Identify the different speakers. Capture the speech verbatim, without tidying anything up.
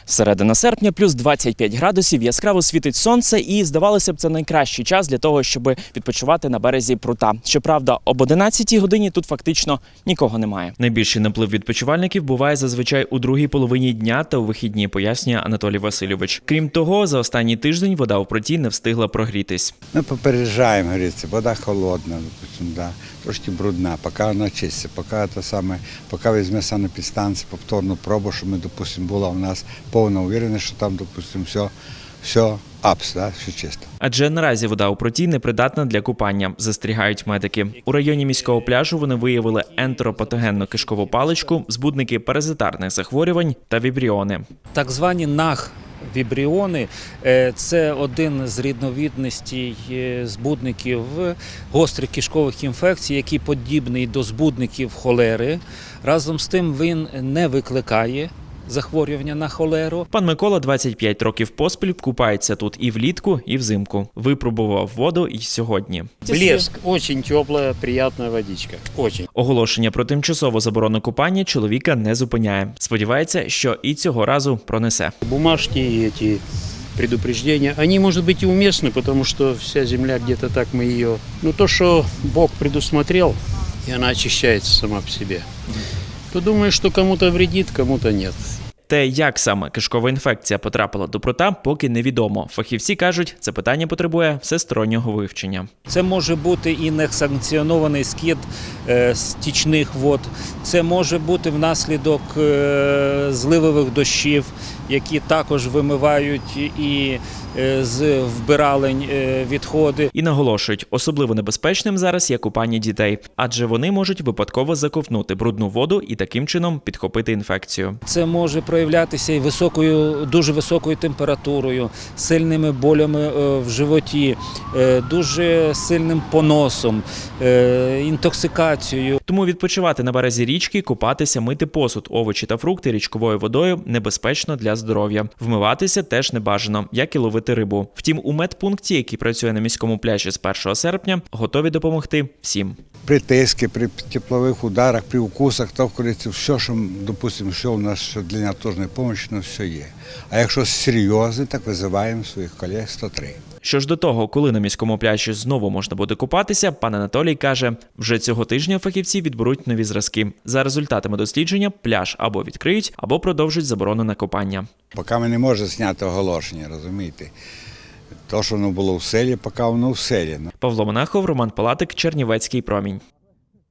Speaker 1: Середина серпня, плюс двадцять п'ять градусів, яскраво світить сонце і, здавалося б, це найкращий час для того, щоб відпочивати на березі прута. Щоправда, об одинадцятій годині тут фактично нікого немає. Найбільший наплив відпочивальників буває зазвичай у другій половині дня та у вихідні, пояснює Анатолій Васильович. Крім того, за останній тиждень вода у пруті не встигла прогрітись.
Speaker 2: Ми попереджаємо, говориться, вода холодна, допустим, да, трошки брудна, поки вона чиститься, поки те саме, поки візьме санепідстанцію повторну пробу, щоб ми, допустим, була у нас повна уверенність, що там, допустим, все, все апс, да, все чисто.
Speaker 1: Адже наразі вода у пруті непридатна для купання, застерігають медики. У районі міського пляжу вони виявили ентеропатогенну кишкову паличку, збудники паразитарних захворювань та вібріони.
Speaker 3: Так звані наг вібріони – це один з різновидностей збудників гострих кишкових інфекцій, який подібний до збудників холери. Разом з тим він не викликає захворювання на холеру.
Speaker 1: Пан Микола двадцять п'ять років поспіль купається тут і влітку, і взимку. Випробував воду і сьогодні.
Speaker 4: Блеск, очень теплая, приятная водичка, очень.
Speaker 1: Оголошення про тимчасову заборону купання чоловіка не зупиняє. Сподівається, що і цього разу пронесе.
Speaker 4: Бумажки и эти предупреждения, они, может быть, и уместны, потому что вся земля где-то так мы ее... Ну, то, что Бог предусмотрел, и она очищается сама по себе, то думаю, что кому-то вредит, кому-то нет.
Speaker 1: Те, як саме кишкова інфекція потрапила до прута, поки невідомо. Фахівці кажуть, це питання потребує всестороннього вивчення.
Speaker 3: Це може бути і несанкціонований скид е, стічних вод, це може бути внаслідок е, зливових дощів, які також вимивають і е, з вбиралень е, відходи.
Speaker 1: І наголошують, особливо небезпечним зараз є купання дітей, адже вони можуть випадково заковтнути брудну воду і таким чином підхопити інфекцію.
Speaker 3: Це може проявлятися і високою, дуже високою температурою, сильними болями в животі, дуже сильним поносом, інтоксикацією.
Speaker 1: Тому відпочивати на березі річки, купатися, мити посуд, овочі та фрукти річковою водою небезпечно для здоров'я. Вмиватися теж не бажано, як і ловити рибу. Втім, у медпункті, який працює на міському пляжі з першого серпня, готові допомогти всім.
Speaker 2: При тиску, при теплових ударах, при укусах, то, говориться, все, що, допустим, що у нас що для неотложної допомоги, ну, все є. А якщо серйозно, так визиваємо своїх колег сто три.
Speaker 1: Що ж до того, коли на міському пляжі знову можна буде купатися, пан Анатолій каже, вже цього тижня фахівці відберуть нові зразки. За результатами дослідження пляж або відкриють, або продовжать заборону на купання.
Speaker 2: Поки ми не можемо зняти оголошення, розумієте? То, що воно було в селі, поки воно в селі.
Speaker 1: Павло Монахов, Роман Палатик, Чернівецький промінь.